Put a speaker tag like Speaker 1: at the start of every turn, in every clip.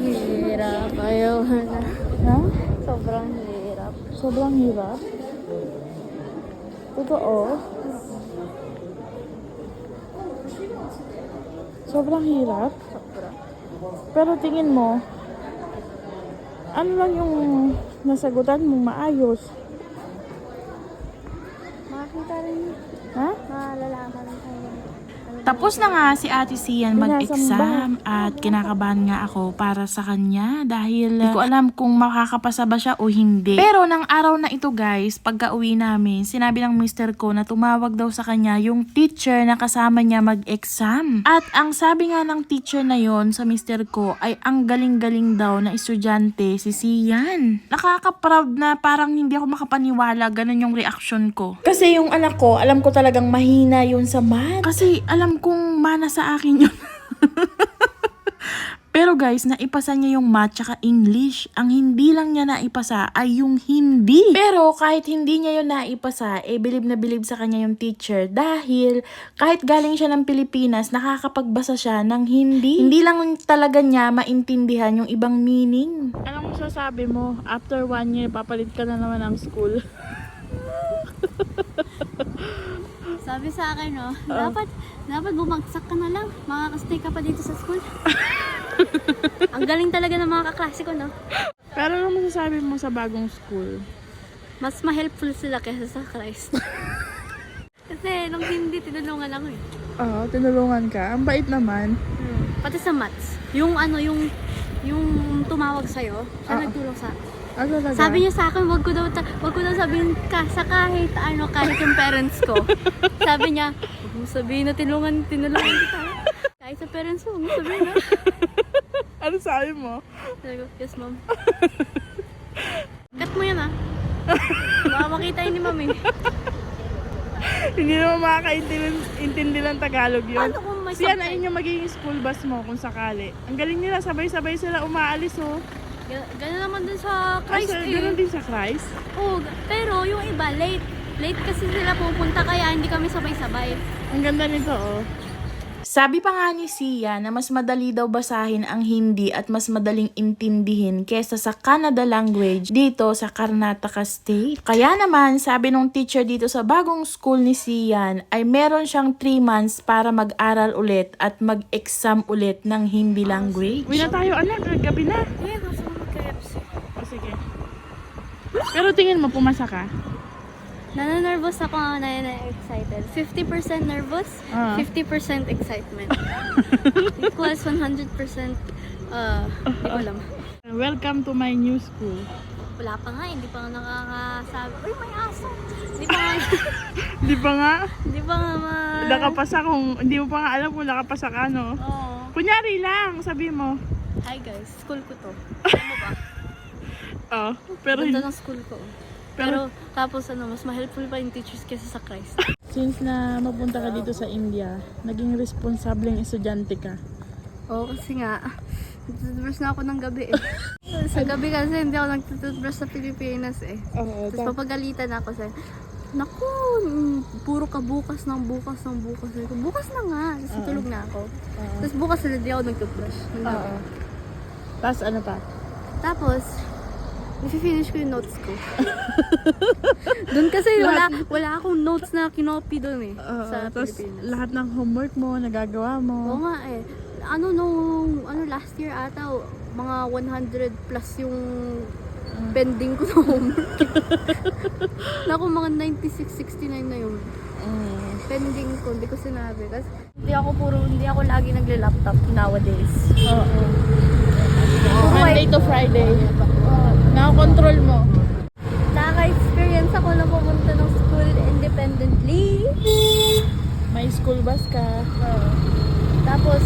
Speaker 1: Hirap. Ayaw na.
Speaker 2: Ha?
Speaker 1: Sobrang hirap.
Speaker 2: Sobrang hirap? Totoo? Sobrang hirap?
Speaker 1: Sobrang.
Speaker 2: Pero tingin mo, ano lang yung nasagutan mong maayos?
Speaker 1: Makakita rin.
Speaker 2: Ha?
Speaker 1: Malalaman tayo.
Speaker 3: Tapos na nga si Ate Sian mag-exam at kinakabahan nga ako para sa kanya dahil hindi ko alam kung makakapasa ba siya o hindi. Pero nang araw na ito guys, pagka uwi namin, sinabi ng mister ko na tumawag daw sa kanya yung teacher na kasama niya mag-exam. At ang sabi nga ng teacher na yon sa mister ko ay ang galing-galing daw na estudyante si Sian. Nakaka-proud na parang hindi ako makapaniwala, ganun yung reaction ko.
Speaker 2: Kasi yung anak ko, alam ko talagang mahina yun sa math.
Speaker 3: Kasi alam kong mana sa akin yun. Pero guys, naipasa niya yung math tsaka English. Ang hindi lang niya naipasa ay yung hindi. Pero kahit hindi niya yun naipasa, bilib na bilib sa kanya yung teacher. Dahil kahit galing siya ng Pilipinas, nakakapagbasa siya ng hindi. Hindi lang talaga niya maintindihan yung ibang meaning.
Speaker 2: Anong sasabi mo? After 1 year, papalit ka na naman ng school.
Speaker 1: Sabi sa akin, no, dapat bumagsak ka na lang. Makakastay ka pa dito sa school. Ang galing talaga ng mga kaklase ko, no?
Speaker 2: Pero ano masasabi mo sa bagong school?
Speaker 1: Mas ma-helpful sila kaysa sa Christ. Kasi nung hindi, tinulungan ako eh.
Speaker 2: Oo, tinulungan ka. Ang bait naman.
Speaker 1: Pati sa maths. Yung tumawag sa'yo, siya nagtulong sa akin.
Speaker 2: Ah, talaga?
Speaker 1: Sabi niya sa akin, wag ko daw sabihin sa kahit yung parents ko. Sabi niya, wag mo sabihin na tinulungan kita. Kahit sa parents mo, wag mo sabihin na.
Speaker 2: Ano sabi mo?
Speaker 1: Sabi ko, yes ma'am. Cut mo yan ah. Baka makita yun ni ma'am eh.
Speaker 2: Hindi naman makakaintindi ng Tagalog yun.
Speaker 1: Paano kung may
Speaker 2: Siya na
Speaker 1: subtitle?
Speaker 2: yun yung magiging school bus mo kung sakali. Ang galing nila, sabay-sabay sila umaalis oh.
Speaker 1: Gano'n naman dun sa Christ eh.
Speaker 2: Ganun din sa Christ?
Speaker 1: Oo, pero yung iba, late. Late kasi sila pupunta kaya hindi kami sabay-sabay.
Speaker 2: Ang ganda nito oh.
Speaker 3: Sabi pa nga ni Sia na mas madali daw basahin ang Hindi at mas madaling intindihin kesa sa Kannada language dito sa Karnataka State. Kaya naman, sabi nung teacher dito sa bagong school ni Sian ay meron siyang 3 months para mag-aral ulit at mag-exam ulit ng Hindi language.
Speaker 2: Uwi na tayo anak, gabi na.
Speaker 1: Eh, gusto mo mag-KFC.
Speaker 2: O sige. Pero tingin mo, pumasa ka?
Speaker 1: Nananervous ako, na-excited. 50% nervous, 50% excitement. Equals 100%, hindi ko alam.
Speaker 2: Welcome to my new school.
Speaker 1: Wala pa nga, hindi pa nga nakakasabi. Uy, may aso! Hindi pa nga,
Speaker 2: Di ba nga?
Speaker 1: hindi pa nga
Speaker 2: Nakapasa kung, hindi mo pa nga alam kung nakapasa ka, no?
Speaker 1: Oo.
Speaker 2: Kunyari lang, sabi mo.
Speaker 1: Hi guys, school ko to. Alam mo ba?
Speaker 2: Oh, pero
Speaker 1: Ganda ng school ko. Pero tapos mas ma-helpful pa yung teachers kaysa sa Christ.
Speaker 2: since na mapunta ka dito sa India, naging responsableng estudyante ka.
Speaker 1: Oo, kasi nga, nagtututbrush na ako ng gabi eh. Sa gabi kasi hindi ako nagtututbrush sa Pilipinas eh.
Speaker 2: Oo,
Speaker 1: Tapos papagalitan ako sa, naku, puro ka bukas. Bukas na nga, tapos tulog na ako. Tapos bukas na hindi ako nagtutbrush.
Speaker 2: Oo. Tapos ano pa?
Speaker 1: Tapos, i-finish ko yung notes ko. Doon kasi wala akong notes na kinopy doon eh. Sa
Speaker 2: Tapos
Speaker 1: Pilipinas.
Speaker 2: lahat ng homework mo, nagagawa
Speaker 1: Oo
Speaker 2: mo.
Speaker 1: nga eh. Last year ata, mga 100 plus yung pending ko na homework. Naku, mga 96, 69 na yung pending ko. Hindi ko sinabi. Kasi hindi ako lagi nagle-laptop nowadays.
Speaker 2: Oo. Monday to Friday. Nakakontrol mo.
Speaker 1: Nakaka-experience ako na pumunta ng school independently.
Speaker 2: May school bus ka.
Speaker 1: Tapos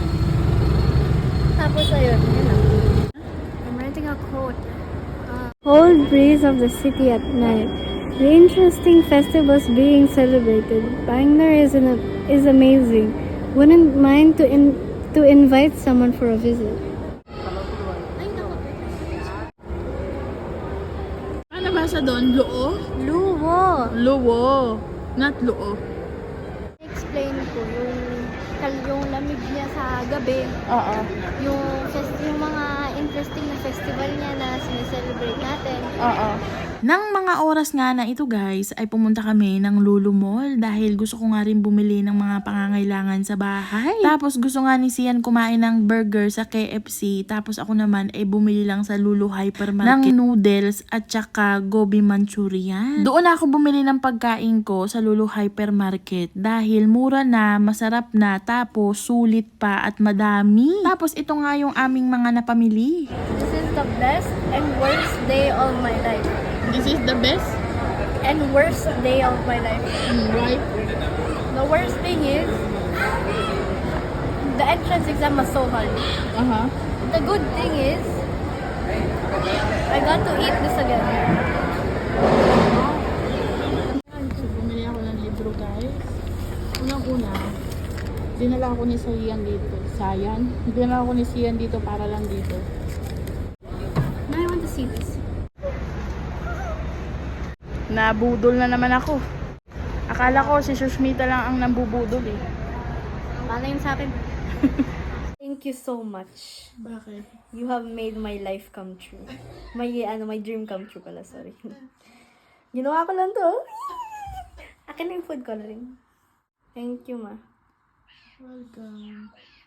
Speaker 1: ayun, yun lang. I'm writing a quote. Cold breeze of the city at night. The interesting festivals being celebrated. Bangalore is amazing. Wouldn't mind to invite someone for a visit.
Speaker 2: Ano basa doon? Luo?
Speaker 1: Luwo!
Speaker 2: Luo. Not luo.
Speaker 1: Explain ko yung lamig niya sa gabi.
Speaker 2: Oo.
Speaker 1: Yung mga festival niya na sineselebrate natin.
Speaker 2: Oo.
Speaker 3: Nang mga oras nga na ito guys, ay pumunta kami ng Lulu Mall dahil gusto ko nga rin bumili ng mga pangangailangan sa bahay. Tapos gusto nga ni Sian kumain ng burger sa KFC, tapos ako naman ay bumili lang sa Lulu Hypermarket ng noodles at saka gobi manchurian. Doon ako bumili ng pagkain ko sa Lulu Hypermarket dahil mura na, masarap na, tapos sulit pa at madami. Tapos ito nga yung aming mga napamili.
Speaker 1: This is the best and worst day of my life.
Speaker 2: This is the best.
Speaker 1: And worst day of my life.
Speaker 2: Why?
Speaker 1: The worst thing is, the entrance exam was so hard.
Speaker 2: Uh-huh.
Speaker 1: The good thing is, I got to eat this again.
Speaker 2: So, bumili ako ng libro, guys. Unang-una, dinala ako ni Sian dito. Dinala ako ni Sian dito para lang dito.
Speaker 1: Now I want to see this.
Speaker 2: Nabudol na naman ako. Akala ko si Sushmita lang ang nambubudol eh.
Speaker 1: Paano yun sa akin? Thank you so much.
Speaker 2: Bakit?
Speaker 1: You have made my life come true. My dream come true pala, sorry. Ginawa ko lang to. Akin na yung food coloring. Thank you, ma.
Speaker 2: Welcome.